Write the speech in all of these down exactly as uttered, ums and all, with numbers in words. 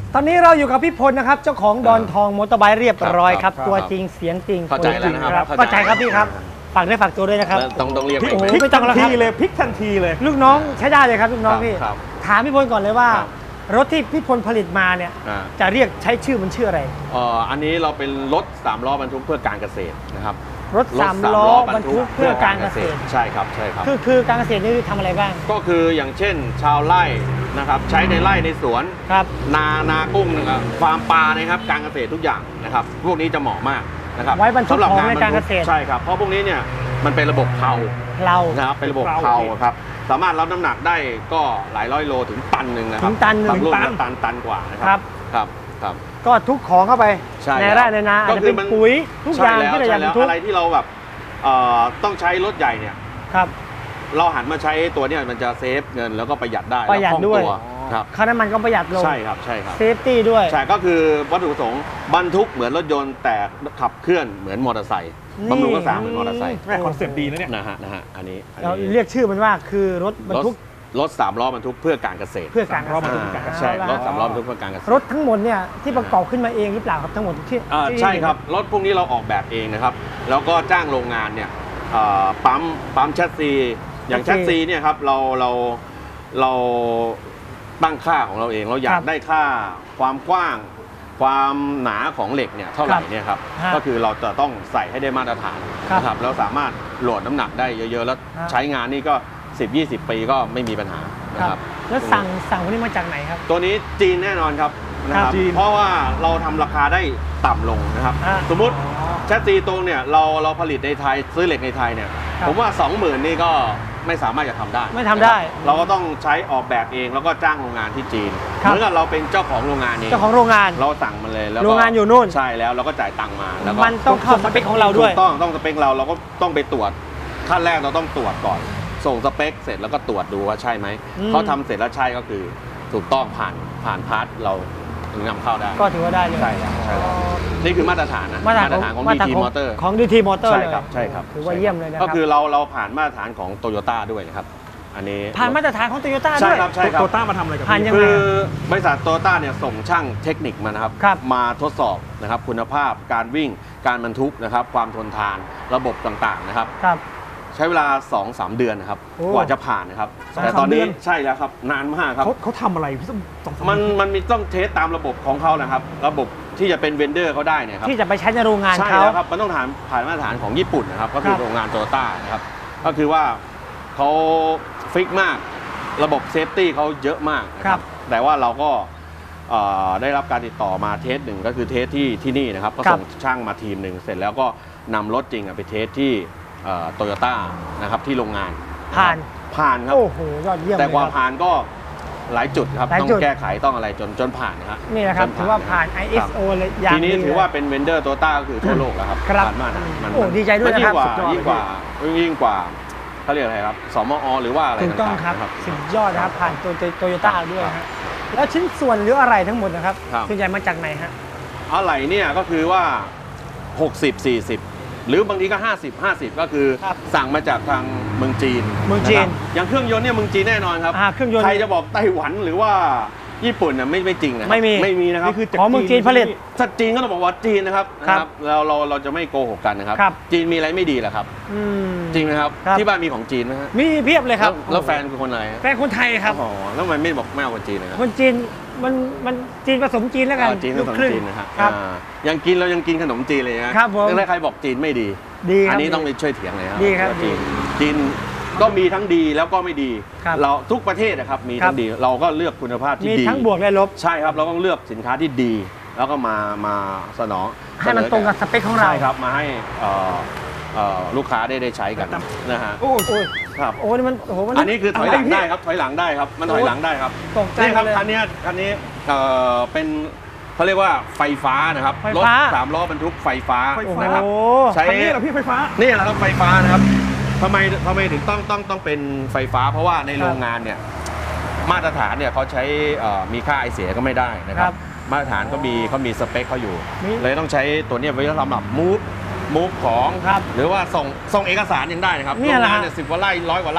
ตอนนี้เราอยู่กับพี่พลนะครับเจ้าของดอนทองมอเตอร์ไบค์เรียบร้อยครับตัวจริงเสียงจริงเข้าใจแล้วนะครับเข้าใจครับพี่ครับฝากด้วยฝากตัวด้วยนะครับต้องต้องเรียกโอ้โหไหมไม่ต้องแล้วครับทีเลยพลิกทันทีเลยลูกน้องใช้ได้เลยครับลูกน้องครับพี่ครับถามพี่พลก่อนเลยว่าครับรถที่พี่พลผลิตมาเนี่ยอ่าจะเรียกใช้ชื่อมันชื่ออะไรเอ่ออันนี้เราเป็นรถสามล้อบรรทุกเพื่อการเกษตรนะครับรถสามล้อบรรทุกเพื่อการเกษตรใช่ครับใช่ครับคือคือการเกษตรนี่ทำอะไรบ้างก็คืออย่างเช่น ชาวไร่นะครับใช้ในไร่ในสวนครับนานากุ้งนะครับฟาร์มปลานะครับการเกษตรทุกอย่างนะครับพวกนี้จะเหมาะมากนะครับไว้บรรทุกสำหรับของในการบเกทุษตรใช่ครับเพราะพวกนี้เนี่ยมันเป็นระบบเพลาเรานะครับเป็นระบบเพลาครับสามารถรับน้ำหนักได้ก็หลายร้อยโลถึงตันหนึ่งนะครัถึงตันหนึ่งบางลูกเนี่ยตันตันกว่านะคครัรับ ครับครับก็ทุกของเข้าไปใช่ในแล้วไร่ในนาอาจก็จะคืเป็อน มันปุ๋ยทุกอย่างใช่ที่เราอยากแล้บรวรทุกอะไรที่เราแบบเอ่อต้องใช้รถใหญ่เนี่ยครับเราหันมาใช้ตัวเนี้มันจะเซฟเงินแล้วก็ประหยัดได้ประหยัดแลคล่องด้วยตัครับค่าน้ำมันก็ประหยัดลงใช่ครับใช่ครับเซฟตี้ด้วยใช่ก็คือวัตถุประสงค์บรรทุกเหมือนรถยนต์แต่ขับเคลื่อนเหมือนมอเตอร์ไซค์นี่บำรุงรักษาเหมือนมอเตอร์ไซค์แม่คอนเซ็ปต์ดีนะเนี่ยนะฮะนะฮะอันนี้อันเรานี้เรียกชื่อมันว่าคือรถบรรทุกรถสามล้อบรรทุกเพื่อการเกษตรเพื่อการสามล้อบรรทุกอ่าเพื่อการเกษตรใช่เอละรถสามล้อบรรทุกเพื่อการเกษตรรถทั้งหมดเนี่ยที่ประกอบขึ้นมาเองหรือเปล่าครับทั้งหมดที่อ่าที่ใช่ครับรถพวกนี้เราออกแบบเองนะครับแล้วก็จ้างโรงงานเนี่ยเอ่อปั๊มปั๊มแชสซีอย่างแชสซีเนี่ยครับเราเราเราตั้งค่าของเราเองเราอยากได้ค่าความกว้าง ความหนาของเหล็กเนี่ยเท่าไหร่เนี่ยครับก็คือเราจะต้องใส่ให้ได้มาตรฐานนะครับแล้วสามารถโหลดน้ำหนักได้เยอะๆ แล้วใช้งานนี่ก็ สิบ ยี่สิบ ปีก็ไม่มีปัญหานะคครัรับบ แล้วสั่งสั่งพวกนี้มาจากไหนครับตัวนี้จีนแน่นอนครับนะครับจีนเพราะว่าเราทำราคาได้ต่ำลงนะครับอ่าสมมุติแชสซีตรงเนี่ยเราเราผลิตในไทยซื้อเหล็กในไทยเนี่ยครับผมว่า สองหมื่น นี่ก็ไม่สามารถจะทำได้ไม่ทำได้นะครับเราก็ต้องใช้ออกแบบเองแล้วก็จ้างโรงงานที่จีนครับเหมือนกับเราเป็นเจ้าของโรงงานเองเจ้าของโรงงานเราสั่งมันเลยแล้วก็โรงงานอยู่นู่นใช่แล้วเราก็จ่ายตังค์มาแล้วก็มันต้องเข้าสเปคของเราด้วยถูกต้องต้องสเปคเราเราก็ต้องไปตรวจขั้นแรกเราต้องตรวจก่อน ส่งสเปคเสร็จแล้วก็ตรวจดูว่าใช่ไหมอืมเขาทำเสร็จแล้วใช่ก็คือถูกต้องผ่านผ่านพาร์ทเราถึงนำเข้าได้ก็ถือว่าได้เลยใช่ครับใช่ครับนี่คือมาตรฐานนะมาตรฐานของมาดีตรฐานทีของมอเตอร์ของดีทีมอเตอร์ใช่เลยครับใช่ครับถือว่าเยี่ยมเลยนะครับก็คือเราเราผ่านมาตรฐานของโตโยต้าด้วยนะครับอันนี้ผ่านมาตรฐานของโตโยต้าใช่ด้วยครับใช่ครับโตต้ามาทำอะไรกับผ่านพี่ยังไงคือบริษัทโตโยต้าเนี่ยส่งช่างเทคนิคมานะครับครับมาทดสอบนะครับคุณภาพการวิ่งการบรรทุกนะครับความทนทานระบบต่างๆนะครับครับใช้เวลา สองสาม เดือนนะครับโอ้กว่าจะผ่านนะครับสองแต่สามตอนนี้เดือนใช่แล้วครับนานมากครับเขาเขาทำอะไรพี่สมสองสามมันมันมีต้องเทสตามระบบของเขานะครับ ระบบที่จะเป็นเวนเดอร์เขาได้เนี่ยครับที่จะไปใช้ในโรงงานใช่เขาแล้วครับมันต้องผ่านผ่านมาตรฐานของญี่ปุ่นนะครับก็คือครับโรงงานโตโยต้านะครับก็คือว่าเขาฟิกมากระบบเซฟตี้เขาเยอะมากนะคครัรับบ แต่ว่าเราก็เอ่อได้รับการติดต่อมาเทสหนึ่งก็คือเทสที่ที่นี่นะครับก็ครับส่งช่างมาทีมหนึ่งเสร็จแล้วก็นำรถจริงอะไปเทสที่โตโยต้านะครับที่โรงงานะครับผ่านผ่านครับโอ้โหยอดเยี่ยมแต่เลยกว่าครับผ่านก็หลายจุดครับหลายต้องจุดแก้ไขต้องอะไรจนจนผ่านนะครับนี่แหละครับจถือว่าผ่านะไอคเอรัสบโอ เลยอย่างทีนี้ดีถือว่าเป็นเวนเดอร์โตต้าก็คือทั่วโลกแล้วครับครับผ่านมาตรฐานมันโอ้ดีใจด้วยนะครับมันยิ่งกว่ายิ่งกว่าเขาเรียกอะไรครับสมอหรือว่าอะไรถูกต้องต่างๆครับนะสุดยอดนะครับ ผ่านตัวโตโยต้าด้วยครัฮะบแล้วชิ้นส่วนหรืออะไรทั้งหมดนะครับครับส่วนใหญ่มาจากไหนฮะอะไรเนี่ยก็คือว่า หกสิบ สี่สิบ หรือบางทีก็ ห้าสิบ ห้าสิบ ก็คือครับสั่งมาจากทางเมืองจีนเมืองจีนะครับอย่างเครื่องยนต์เนี่ยเมืองจีนแน่นอนครับอ่าเครื่องยนต์ใครจะบอกไต้หวันหรือว่าญี่ปุ่นน่ะไม่ไม่จริงนะครับไม่มีไม่มีนะครับนี่คือจากของเมืองจีนผลิตถ้าจีนก็ต้องบอกว่าจีนนะครับครับนะครับเราเราเราจะไม่โกหกกันนะครับครับจีนมีอะไรไม่ดีเหรอครับอืมจริงไหมครับครับที่บ้านมีของจีนไหมฮะมีเพียบเลยครับแล้วแล้วแฟนคือคนอะไรฮะแฟนคนไทยครับอ๋อแล้วทำไมไม่บอกไม่เอาคนจีนนะครับคนจีนมันมันจีนผสมจีนแล้วกันอ๋อจีนกับลูขนมครึ่งจีนนะฮะครับอ่ายังกินเรายังกินขนมจีนเลยนะครับผมแล้วใครบอกจีนไม่ดีดีครับอันนี้ต้องไปช่วยเถียงเลยครับดีครับว่าจีนจีนก็มีทั้งดีแล้วก็ไม่ดีครับเราทุกประเทศนะครับมีครัทั้บงดีเราก็เลือกคุณภาพที่มีดีทั้งบวกและลบใช่ครับเราต้องเลือกสินค้าที่ดี แล้วก็มามาสนองให้มันตรงกับสเปคของเราใช่ครับมาให้เอ่อเอ่อลูกค้าได้ได้ใช้กันนะฮะโอ้โหครับโอ้นี่มันโอ้โหมันอันนี้คือถอยหลังะรพี่ได้ครับถอยหลังได้ครับมันถอยหลังได้ครับตกใจนี่ครับเลยคันนี้คันนี้เอ่อเป็นเขาเรียกว่าไฟฟ้านะครับไฟรถฟ้าสามล้อบรรทุกไฟฟ้าไฟฟ้านะครับโอ้ใช้คันนี้เหรอพี่ไฟฟ้านี่แหละครับไฟฟ้านะครับทำไมทำไมถึงต้องต้องต้องเป็นไฟฟ้า เพราะว่าในโรงงานเนี่ยมาตรฐานเนี่ยเขาใช้เอ่อมีค่าไอเสียก็ไม่ได้นะคครัรับบ มาตรฐานก็มีเขามีสเปคเขาอยู่มีเลยต้องใช้ตัวเนี้ยไว้สำหรับมูฟมูฟของครับหรือว่าส่งส่งเอกสารยังได้นะครับเนี่ยโรงแหละงานฮะเนี่ยสิบกว่าไร่ร้อยกว่าไร่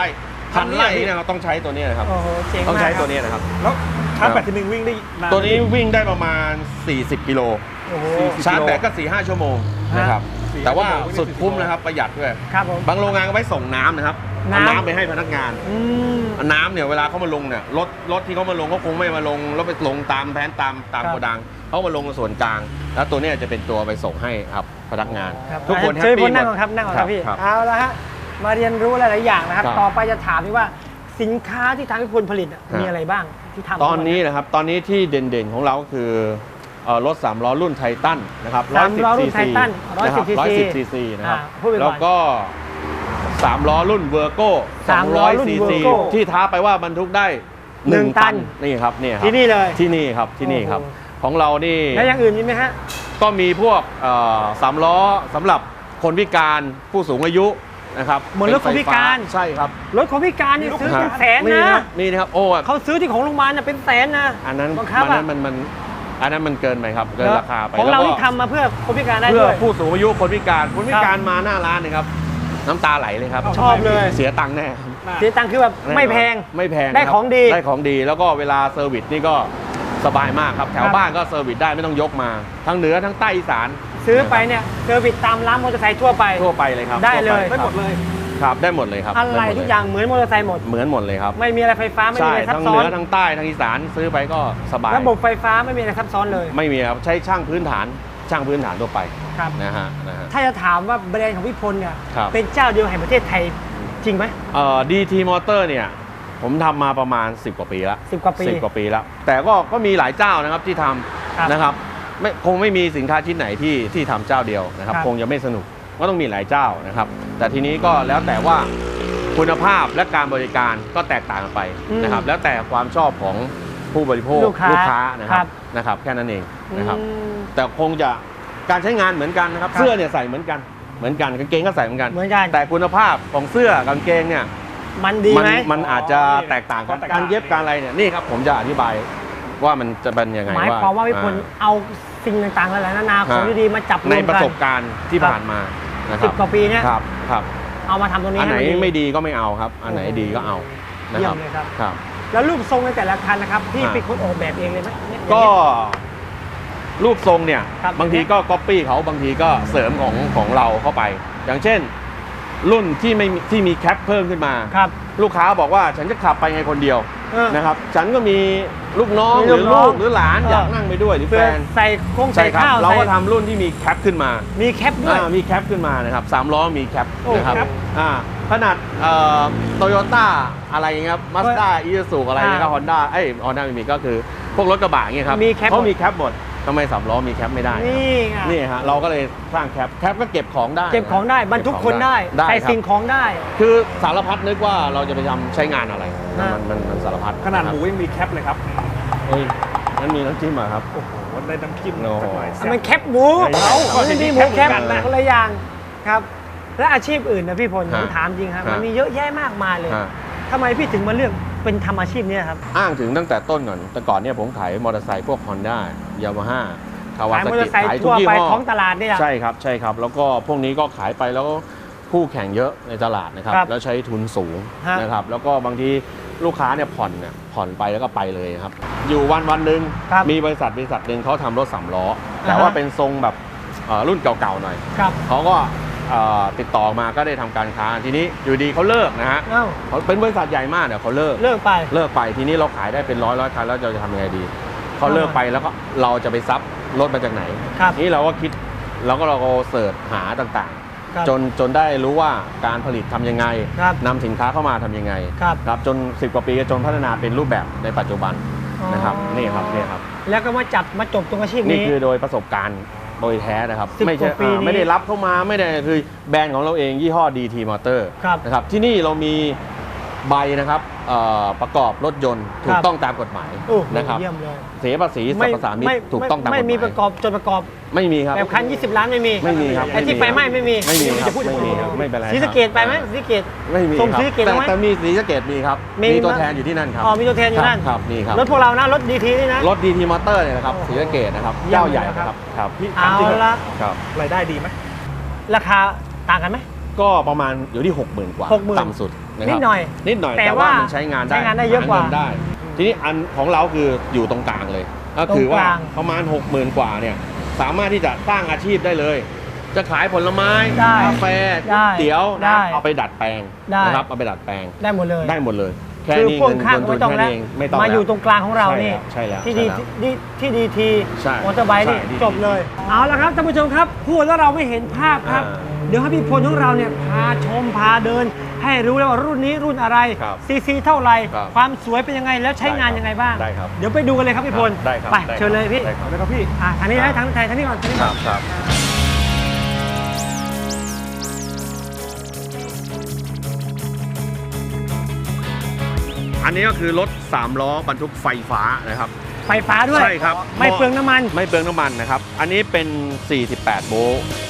พันไร่เนี่ยเราต้องใช้ตัวนี้นะครับโอ้โหเจ๋งมากต้องใช้ครับตัวนี้นะครับแล้วชาร์จแบตทีนึงวิ่งได้นานตัวนี้วิ่งได้ประมาณ สี่สิบ กิโลโอ้โหชาร์จแบตก็ สี่ห้า ชั่วโมงนะครับสี่แต่ว่าชั่วโมงวิ่งได้สุดสี่สิบคุ้มนะครับประหยัดด้วยครับผมบางโรงงานก็ไว้ส่งน้ำนะครับเอาน้ำน้ำไปให้พนักงานอืมน้ำเนี่ยเวลาเขามาลงเนี่ยรถรถที่เขามาลงเขาคงไม่มาลงแล้วไปลงตามแผนตามตามครับโกดังเขามาลงส่วนกลาง แล้วตัวเนี้ยจะเป็นตัวไปส่งให้ครับพนักงานครับทุกคนแฮปเชิญปี้คนหมนั่งดก่อนครับนั่งก่อนครับพี่ครับเอาละฮะมาเรียนรู้หลายๆอย่างนะครับครับต่อไปจะถามพี่ว่าสินค้าที่ทางพี่พลผลิตอะครับมีอะไรบ้างที่ทำตอนนี้นะครับตอนนี้ที่เด่นๆของเราก็คือเอ่อรถสามล้อรุ่นไททันนะครับสามล้อรุ่นไททันร้อยสิบซีร้อยซีสิบซีซีนะครับอ่าพูดไปก่อนแล้วก็สามล้อรุ่นเวอร์โก้สามล้อรุ่นซีซี Virgo ที่ท้าไปว่าบรรทุกได้หนึ่งหนึ่งตัตันนนี่ครับนี่ครับที่นี่เลยที่นี่ครับที่นี่ครับโอ้โหของเรานี่แล้วอย่างอื่นมีไหมฮะก็มีพวกเอ่อสามล้อสำหรับคนพิการผู้สูงอายุนะครับเหมือนรถคนพิการเป็นไฟฟ้ใช่ครับรถของพิการนี่ซื้อเป็นแสนนี่นะครับนี่นะครับโอ้เขาซื้อที่ของโรงพยาบาลน่ะเป็นแสนนะอันนั้นบังคับอันนั้นอะมันมันอันนั้นมันเกินไปครับเกินราคาไปของเราแล้วก็ที่ทำมาเพื่อคนพิการได้เพื่อด้วยผู้สูงอายุคนพิการคนพิการมาหน้าร้านเนะครับ น้ำตาไหลเลยครับชอบเลยเสียตังค์แน่เสียตังค์คือแบบไม่แพงไม่แพงได้ครับของดีได้ของดีแล้วก็เวลาเซอร์วิสนี่ก็สบายมากครับแถคว รับบ้านก็เซอร์วิสได้ไม่ต้องยกมา ทั้งเหนือทั้งใต้อีสานซื้อไปเนี่ยเซอร์วิสตามร้านมอเตอร์ไซค์ทั่วไปทั่วไปเลยครับได้เลยทั่วปได้หมดเลยครับได้หมดเลยครับอะไรด้หมดเลทุกอย่างเหมือนมอเตอร์ไซค์หมดเหมือนหมดเลยครับไม่มีอะไรไฟฟ้าไม่มีใช่อะไรซับทั้งซ้เหอนืนอทั้งใต้ทั้งอีสานซื้อไปก็สบายระบบไฟฟ้าไม่มีอะไรซับซ้อนเลยไม่มีครับใช้ช่างพื้นฐานช่างพื้นฐานทั่วไปครับนะฮะนะฮะถ้าจะถามว่าแบรนด์ของพี่พลเนี่ยครับเป็นเจ้าเดียวแห่งประเทศไทยจริงไหมเอ่อ ดี ที Motor เนี่ยผมทำมาประมาณ สิบ กว่าปีแล้วสิบกว่าปีสิบกว่าปีแล้ว แต่ก็ก็มีหลายเจ้านะครับที่ทครับำนะครับไม่คงไม่มีสินค้าชิ้นไหนที่ที่ทำเจ้าเดียวนะครับครับคงจะไม่สนุกก็ต้องมีหลายเจ้านะครับ แต่ทีนี้ก็แล้วแต่ว่าคุณภาพและการบริการก็แตกต่างกันไปนะครับ แล้วแต่ความชอบของผู้บริโภคลูกค้านะคครัรับบ นะครับแค่นั้นเองนะครับอืมแต่คงจะการใช้งานเหมือนกันนะครับครับเสื้อเนี่ยใส่เหมือนกันเหมือนกันกางเกงก็ใส่เหมือนกันเหมือนกันแต่คุณภาพของเสื้อกางเกงเนี่ยมันดีมันไหมมันอาจจะแตกต่างกันแตกต่างการเย็บการอะไรเนี่ยนี่ครับผมจะอธิบายว่ามันจะเป็นยังไงหมายความว่าพี่พลอ่เอาสิ่งต่างๆหลายๆนานาของดีๆมาจับรวมในกันประสบการณ์ที่ครับผ่านมานะคสิรับบ กว่าปีเนี่ยครับครับเอามาทำตรงนี้อันไหนให้นไม่ดีก็ไม่เอาครับ อันไหนโอ้โหดีก็เอานะเยี่คยรับมเลยครับครับแล้วรูปทรงในแต่ละคันนะครับพี่อ่าเป็นคนออกแบบเองเลยไหมเนี่ยก็รูปทรงเนี่ยครับบางทีก็ก๊อปปี้เขาบางทีก็เสริมของของเราเข้าไป อย่างเช่น รุ่นที่ไม่มีที่มีแคปเพิ่มขึ้นมาครับลูกค้าบอกว่าฉันจะขับไปไงคนเดียวเออนะครับ ฉันก็มีลูกน้องมีหลูรืกอน้ลูองกหรือหลานเออออยากนั่งไปด้วยหรือเพื่แฟอน ใส่โครงใส่ใช่ครับข้าวเราก็ใส่ทำรุ่นที่มีแคปขึ้นมามีแคปด้วยอ่ามีแคปขึ้นมานะครับสามล้อมีแคปโอ้นะครับแคปอ่าขนาดโตโยต้าอะไรเงี้ยครับมาสด้าอีซูซูอะไรเงี้ยครับอ่าฮอนด้าเอ้ยฮอนด้าไม่มีก็คือพวกรถกระบะเงี้ยครับมีแคปเขาหมดมีแคปหมดทำไมสามล้อมีแคปไม่ได้นี่ไงนี่ฮะเราก็เลยสร้างแคปแคปก็เก็บของได้เก็บของได้บรรทุกคนได้ได้ใส่ครับสิ่งของได้คือสารพัดนึกว่าเราจะไปทำใช้งานอะไรอ่ามัมันมันมันสารพัดขนาดะครับหมูยังมีแคปเลยครับเฮ้ยนั่นมีน้ำจิ้มเหรอะครับโอ้โหได้น้ำจิ้มโอ้โหสักหน่อยอ่ะมันแคปหมูไม่ใช่เขาครับไม่มีหมูแคปแคปเหมือนกันนะคนละอย่างครับ และอาชีพอื่นนะพี่พลผมฮะถามจริงครับฮะมันมีเยอะแยะมากมายเลยฮะทำไมพี่ถึงมาเลือกเป็นทำอาชีพเนี้ครับอ้างถึงตั้งแต่ต้นก่อนแต่ก่อนเนี่ยผมขายมอเตอร์ไซค์พวก Honda ยามาฮ่าคาวาขายซามอเตอกิร์ไซค์ขายทุกทั่วยี่ไปห้อท้องตลาดเนี่ยใช่ครับใช่ครับ แล้วก็พวกนี้ก็ขายไปแล้วก็คู่แข่งเยอะในตลาดนะครับครับแล้วใช้ทุนสูงฮะนะครับ แล้วก็บางทีลูกค้าเนี่ยผ่อนเนี่ยผ่อนไปแล้วก็ไปเลยครับ อยู่วันวันหนึ่งครับมีบริษัทบริษัทหนึ่งเขาทำรถสามล้อ แต่อ่าฮะว่าเป็นทรงแบบเอ่อรุ่นเก่าๆหน่อยครับเขาก็เอ่อติดต่อมาก็ได้ทำการค้าทีนี้อยู่ดีเขาเลิกนะฮะเอ้าเขาเป็นบริษัทใหญ่มากเนี่ยเขาเลิกเลิกไปเลิกไปทีนี้เราขายได้เป็นร้อยร้อยคันแล้วเราจะทำยังไงดีเขาเลิกไปแล้วก็เราจะไปซับรถมาจากไหนครับนี่เราก็คิดเราก็เราก็เสิร์ชหาต่างครับๆ จนจนได้รู้ว่าการผลิตทำยังไงครับนำสินค้าเข้ามาทำยังไงครับครับจนสิบกว่าปีจนพัฒนาเป็นรูปแบบในปัจจุบันอ๋อนะครับนี่ครับนี่ครับแล้วก็มาจับมาจบตรงอาชีพนี่นี้คือโดยประสบการณ์โดยแท้นะครับสิบไม่ใช่กว่าปีนี้อ่าไม่ได้รับเข้ามาไม่ได้คือแบรนด์ของเราเองยี่ห้อ ดี ที Motor ครับนะครับที่นี่เรามีใบนะครับเอ่อประกอบรถยนต์ถูคกรับต้องตามกฎหมายโอ้โหนะครับเยี่ยมเลยเสียภาษีสรรพสามิตถูกต้องตามกฎหมายไม่มีประกอบจดประกอบไม่มีครับแบบคันยี่สิบล้านไม่มีไม่มีครับไอ้ที่ไฟไหม้ไม่มีไม่มีครับจะพูดไม่มีครับไม่เป็นไรศรีสะเกดไปไหมศรีสะเกดไม่มีส่งครับศรีสะเกษแต่ไหมแต่มีศรีสะเกดมีครับมีมีตัวมั้ยแทนอยู่ที่นั่นครับอ๋อมีตัวแทนอยู่นั่นครับนี่ครับรถพวกเรานะรถดีทีนี่นะรถ ดี ที Motor เนี่ยนะครับโอ้โหศรีสะเกดนะครับเยี่ยมเจ้าใหญ่เลยนะคครัรับ บครับนี่เอาถามจริงละครับรายได้ดีไหมราคาต่างกันไหมก็ประมาณอยู่ที่หกหมื่นกว่าหกหมื่นต่ำสุดะครับนิดหน่อยนิดหน่อยแต่แต่ว่าว่ามันใช้งานได้ใช้งานได้เยอะกว่าหงินได้ ทีนี้อันของเราคืออยู่ตรงกลางเลย ก็คือว่าตรงกลางประมาณ หกหมื่น กว่าเนี่ยสามารถที่จะสร้างอาชีพได้เลย จะขายผลไม้ได้กาแฟได้ก๋วยเตี๋ยวได้นะเอาไปดัดแปลงได้นะครับเอาไปดัดแปลงได้หมดเลยได้หมดเลยแค่คือนี้พ่วงเงินข้างลงทุไม่นต้องแค่แล้วนี้เองไม่ต้องมาแล้วอยู่ตรงกลางของเรานี่ใช่แล้วที่ใช่ดีแล้วที่ที่ดีทีใช่มอเตอร์ไบค์นี่ใช่ดีจบเลย เอาละครับท่านผู้ชมครับพูดแล้วเราไม่เห็นภาพครับอ่าเดี๋ยวให้พี่พลของเราเนี่ยพาชมพาเดิน ให้รู้แล้วว่ารุ่นนี้รุ่นอะไรครับซีซีเท่าไหร่ครับความสวยเป็นยังไงแล้วใช้งานยังไงบ้างได้ครับเดี๋ยวไปดูกันเลยครับพี่พลได้ครับไปได้ครับเชิญเลยพี่ได้ครับเอาเลยครับพี่อ่ะทางนี้ได้ทางทางทางนี้ก่อนทางนี้คก่รัอนบครับ อันนี้ก็คือรถสามล้อบรรทุกไฟฟ้านะครับไฟฟ้าด้วยใช่ครับไม่เปลืองน้ำมันไม่เปลืองน้ำมันนะครับ อันนี้เป็น สี่สิบแปด โวลต์